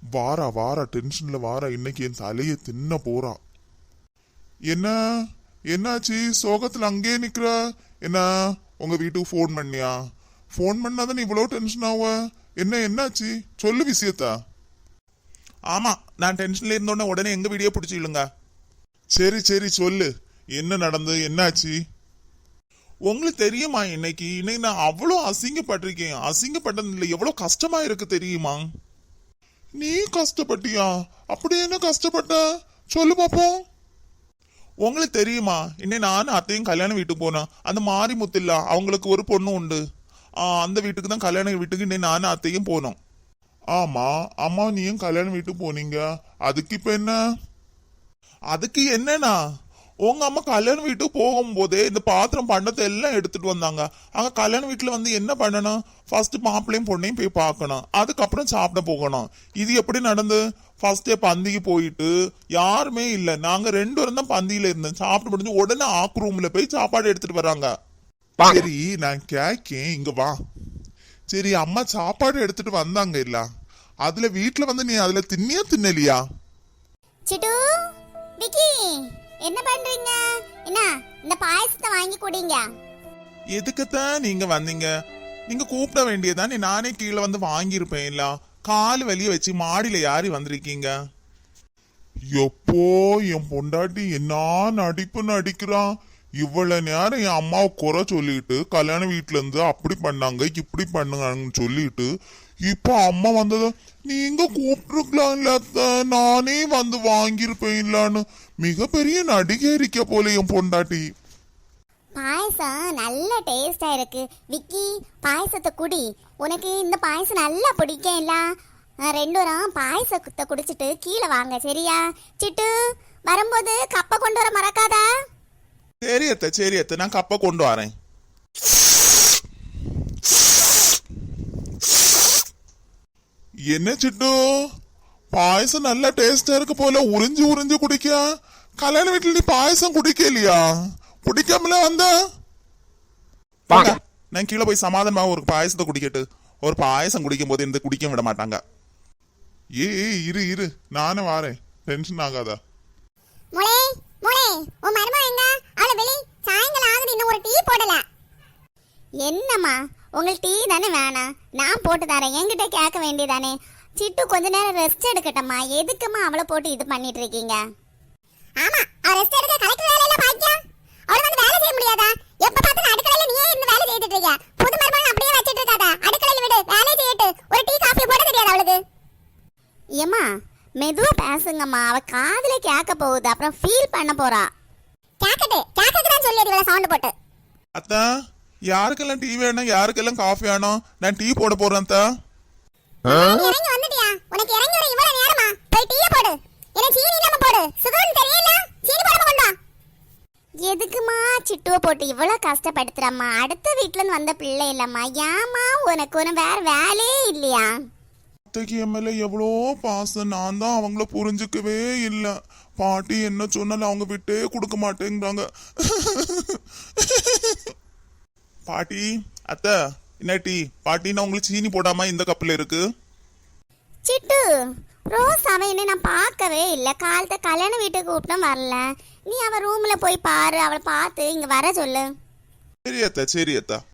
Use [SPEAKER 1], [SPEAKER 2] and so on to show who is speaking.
[SPEAKER 1] வாரா வாரா டென்ஷன்ல வாரா, இன்னைக்கு என் தலையை தின்ன போறா. என்ன என்னாச்சு சோகத்துல அங்கே நிக்கிற? என்ன உங்க வீட்டுக்கு ஃபோன் பண்ணியா? ஃபோன் பண்ணாதான் இவ்வளோ டென்ஷன் ஆவ? என்னாச்சு சொல்லு விஷயத்தா.
[SPEAKER 2] ஆமா, நான் டென்ஷன்ல இருந்தோடனே உடனே எங்க வீடியோ பிடிச்சிடுங்க.
[SPEAKER 1] சரி சரி சொல்லு, என்ன நடந்து என்னாச்சு?
[SPEAKER 2] உங்களுக்கு தெரியுமா, இன்னைக்கு நான் அவ்வளோ அசிங்கப்பட்டிருக்கேன். அசிங்கப்பட்டது இல்லை, எவ்வளோ கஷ்டமா இருக்கு தெரியுமா?
[SPEAKER 1] நீ கஷ்டப்பட்டியா? அப்படி என்ன கஷ்டப்பட்ட சொல்லு பாப்போம்.
[SPEAKER 2] உங்களுக்கு தெரியுமா, நானும் அத்தையும் கல்யாண வீட்டுக்கு போனேன். அந்த மாரிமுத்தில்ல, அவங்களுக்கு ஒரு பொண்ணு உண்டு. அந்த வீட்டுக்கு தான், கல்யாண வீட்டுக்கு நானும் அத்தையும் போனோம்.
[SPEAKER 1] ஆமா அம்மா நீயும் கல்யாண வீட்டுக்கு போனீங்க, அதுக்கு இப்ப என்ன?
[SPEAKER 2] அதுக்கு என்னன்னா, உங்க அம்மா கல்யாண வீட்டுக்கு போகும்போதே இந்த பாத்திரம் பண்டத்தை எல்லாம் எடுத்துட்டு வந்தாங்க. அங்க கல்யாண வீட்டுல வந்து என்ன பண்ணணும், ஃபர்ஸ்ட் மாப்பிள்ளையும் பொண்ணையும் போய் பார்க்கணும், அதுக்கப்புறம் சாப்பிட போகணும். இது எப்படி நடந்து? ஃபர்ஸ்டே பந்திக்கு போயிட்டு யாருமே இல்ல, நாங்க 2 பேரும் தான் பந்தியில இருந்தோம். சாப்பிட்டு முடிஞ்சு உடனே ஆக்கு ரூம்ல போய் சாப்பாடு எடுத்துட்டு வராங்க.
[SPEAKER 1] சரி நான் கேக்கேன், இங்க வா. சரி அம்மா சாப்பாடு எடுத்துட்டு வந்தாங்க இல்ல, அதுல வீட்டுல வந்து நீ அதுல தின்னியா தின்னலியா?
[SPEAKER 3] சிட்டு, விக்கி, என்ன பண்றீங்க? என்ன இந்த பாயசத்தை வாங்கி குடிங்க.
[SPEAKER 2] எதுக்குத்தான் நீங்க வந்தீங்க? நீங்க கூப்பிட வேண்டியதான், நானே கீழே வந்து வாங்கியிருப்பேன். இல்ல கால் வலிய வச்சு மாடியில யாரி வந்திருக்கீங்க?
[SPEAKER 1] எப்போ என் பொண்டாட்டி என்ன நடிப்பு நடிக்கிறான். இவ்வளவு நேரம் என் அம்மாவை குறை சொல்லிட்டு கல்யாண வீட்டுல இருந்து அப்படி பண்ணாங்க இப்படி பண்ணுங்கன்னு சொல்லிட்டு, இப்ப அம்மா வந்தது நீங்க கூப்பிட்டுருக்கலாம் இல்ல, நானே வந்து வாங்கியிருப்பேன் இல்லான்னு மிகப்பெரிய நடிகை இருக்க போல என் பொண்டாட்டி.
[SPEAKER 3] பாயசம் நல்ல டேஸ்டா இருக்கு. விக்கி, பாயசத்தை குடி. உனக்கு இந்த பாயசம் நல்லா பிடிக்கும் இல்ல? 2 பேரும் பாயசத்தை குடிச்சிட்டு கீழே வாங்க, சரியா? சிட்டு, வரும்போது கப்பை கொண்டு வர மறக்காதா?
[SPEAKER 2] சரி அத்தை, நான் கப்பை கொண்டு வரேன்.
[SPEAKER 1] என்ன சிட்டு, பாயசம் நல்ல டேஸ்டா இருக்கு போல, உறிஞ்சு உறிஞ்சு குடிக்க. கல்யாண வீட்டுல நீ பாயசம் குடிக்கலையா? குடிக்காமல வந்த?
[SPEAKER 2] நான் கீழே போய் சமாதானமாக ஒரு பாயசத்தை குடிக்கட்டு. ஒரு பாயசம் குடிக்கும் போது இந்த குடிக்க விட மாட்டாங்க.
[SPEAKER 1] இரு இரு, நானே வாரேன், டென்ஷன் ஆகாதா?
[SPEAKER 3] முளே முளே, உன் மருமக எங்க? அவளை வெளி, சாயங்காலம் ஆகுது, இன்னும் ஒரு டீ போடல. என்னம்மா, உங்களுக்கு டீ தானே வேணாம்? நான் போட்டு தரேன், என்கிட்ட கேட்க வேண்டியதானே? சிட்டு கொஞ்ச நேரம் ரெஸ்ட் எடுக்கட்டம்மா. எதுக்குமா அவளை போட்டு இது பண்ணிட்டு இருக்கீங்க? ஆமா, அவ ரெஸ்ட் எடுக்க கலெக்டர் வேலையில பாக்கியா. அவள வந்து வேலை செய்ய முடியாதா? எப்ப பார்த்தாலும் அடுக்கலையில நீயே இருந்து வேலை செய்துட்டு இருக்க. புது மருமகன் அப்படியே வச்சிட்டு இருக்காத, அடுக்கலையில விடு, வேலை செய்யட்டு. ஒரு டீ காஃபி போட தெரியாது அவளுக்கு? ஏம்மா மெதுவா பேசுங்கம்மா, அவ காதுல கேட்க போகுது, அப்புறம் ஃபீல் பண்ண போறா. கேக்கட்டு தான் சொல்லி இவள சவுண்ட் போட்டு.
[SPEAKER 2] அத்தா, யாருக்கெல்லாம் டீ வேணும், யாருக்கெல்லாம் காஃபி வேணும்? நான் டீ போட போறேன் அத்தா.
[SPEAKER 3] இறங்கி வந்துட்டியா? உனக்கு இறங்கி வர இவ்வளவு நேரமா? போய் டீ போடு. என்ன சீனி இல்லாம போடு, சுகர்னு தெரியல, சீனி போடாம கொண்டு வா. எதுக்குமா சிட்டுவ போட்டு இவ்வளவு கஷ்டப்படுத்துறம்மா? அடுத்த வீட்டுல இருந்து வந்த பிள்ளை இல்லம்மா, ஏமா உனக்கு ஒரு வேற வேலையே இல்லையா?
[SPEAKER 1] அத்தைக்கு என் மேல எவ்வளோ பாசம், நான் தான் அவங்கள புரிஞ்சுக்கவே இல்லை. பாட்டி என்ன சொன்னாலும் அவங்க விட்டே கொடுக்க மாட்டேங்கிறாங்க.
[SPEAKER 2] பாட்டி, அத்தை, என்ன டீ? பாட்டின்னா உங்களுக்கு சீனி போடாம இந்த கப்பில் இருக்கு.
[SPEAKER 3] சிட்டு, ரோஸ் அவன் என்ன நான் பார்க்கவே இல்லை. காலத்தை கல்யாண வீட்டுக்கு கூப்பிட்டோம் வரல. நீ அவ ரூம்ல போய் பாரு, அவளை பார்த்து இங்க வர சொல்லு.
[SPEAKER 2] சரி அத்தா.